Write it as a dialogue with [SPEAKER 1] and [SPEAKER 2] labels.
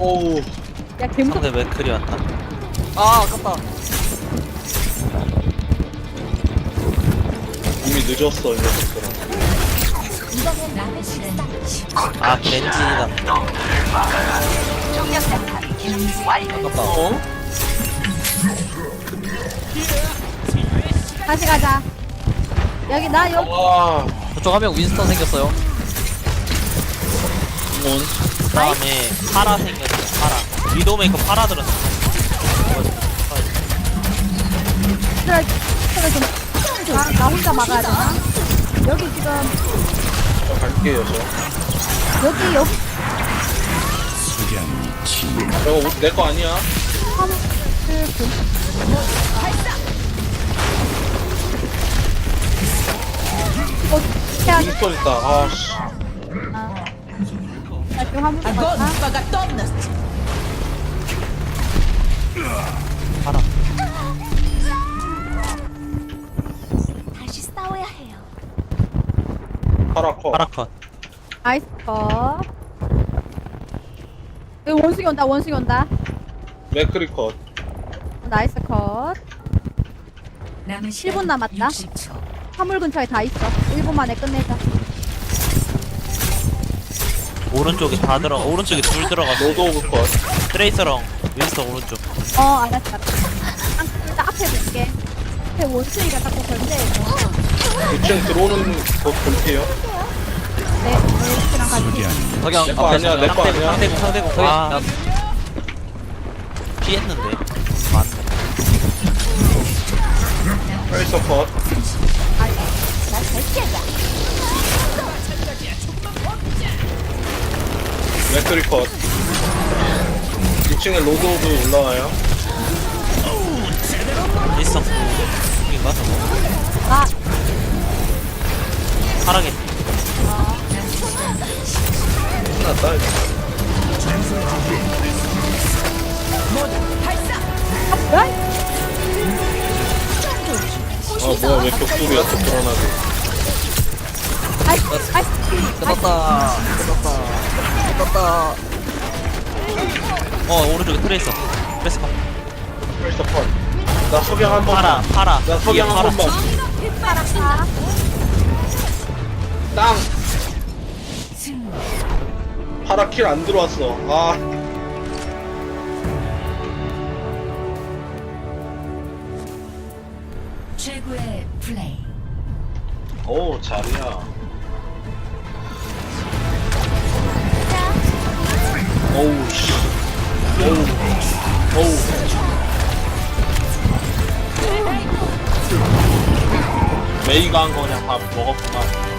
[SPEAKER 1] 오우.
[SPEAKER 2] 야 개무섭.
[SPEAKER 3] 상대 맥클이 왔다.
[SPEAKER 4] 아 아깝다.
[SPEAKER 1] 이미 늦었어, 이 녀석들아.
[SPEAKER 3] 아 겐지다.
[SPEAKER 4] 아깝다.
[SPEAKER 1] 어?
[SPEAKER 2] 다시 가자. 여기 나 여기.
[SPEAKER 1] 와.
[SPEAKER 4] 저쪽 한 명 윈스턴 생겼어요.
[SPEAKER 1] 온.
[SPEAKER 3] 그다음에 파라 생겼어. 파라. 위도메이커 파라 들었어.
[SPEAKER 2] 그래 좀. 나 혼자 막아야 되나? 여기 지금
[SPEAKER 1] 저 갈게요, 저.
[SPEAKER 2] 여기
[SPEAKER 1] 저거 내 거 아니야?
[SPEAKER 2] 화물 해야 돼.
[SPEAKER 1] 윈스턴 있다. 아, 씨.
[SPEAKER 2] 나 지금 화물 갔다.
[SPEAKER 3] 파라.
[SPEAKER 5] 다시 싸워야 해요.
[SPEAKER 1] 파라커.
[SPEAKER 3] 파라 컷.
[SPEAKER 2] 나이스 컷. 여기 원숭이 온다. 원숭이 온다.
[SPEAKER 1] 맥크리 컷.
[SPEAKER 2] 나이스 컷. 7분 남았다. 화물 근처에 다 있어. 1분 만에 끝내자.
[SPEAKER 3] 오른쪽에 다 들어. 오른쪽에 둘 들어갔어.
[SPEAKER 1] 로드 오브 컷.
[SPEAKER 3] 트레이서랑 윈스턴 오른쪽.
[SPEAKER 2] 알았어. 일단 앞에 볼게. 앞에 원숭이가 자꾸 견제해서.
[SPEAKER 1] 2층 들어오는 거 볼게요.
[SPEAKER 2] 네, 원숭이랑 같이.
[SPEAKER 4] 석양
[SPEAKER 1] 내 거 아니야, 내 거 아니야.
[SPEAKER 3] 상대국.
[SPEAKER 4] 석양.
[SPEAKER 3] 아
[SPEAKER 4] 야,
[SPEAKER 3] 피했는데. 맞네.
[SPEAKER 1] 트레이서 컷. 맥크리 컷. 2층에 로드 오브 올라와요.
[SPEAKER 3] 윈스턴 인가 저거.
[SPEAKER 2] 아,
[SPEAKER 3] 파라게.
[SPEAKER 1] 끝났다, 이거.
[SPEAKER 2] 뭐야?
[SPEAKER 1] 뭐야, 왜 벽돌이야, 또 불안하게.
[SPEAKER 2] 아이스.
[SPEAKER 4] 끝났다. 끝났다.
[SPEAKER 3] 오른쪽에 트레이서. 트레이서 컷.
[SPEAKER 1] 트레이서 컷. 나 석양 한 번.
[SPEAKER 3] 파라. 파라.
[SPEAKER 1] 나 석양
[SPEAKER 3] 뒤에
[SPEAKER 1] 한 번만.
[SPEAKER 2] 파랗다.
[SPEAKER 1] 땅! 파라 킬 안 들어왔어. 아.
[SPEAKER 5] 최고의 플레이.
[SPEAKER 1] 오, 잘이야. 오우, 씨. 오우. 메이가 한 거 그냥 다 먹었구나.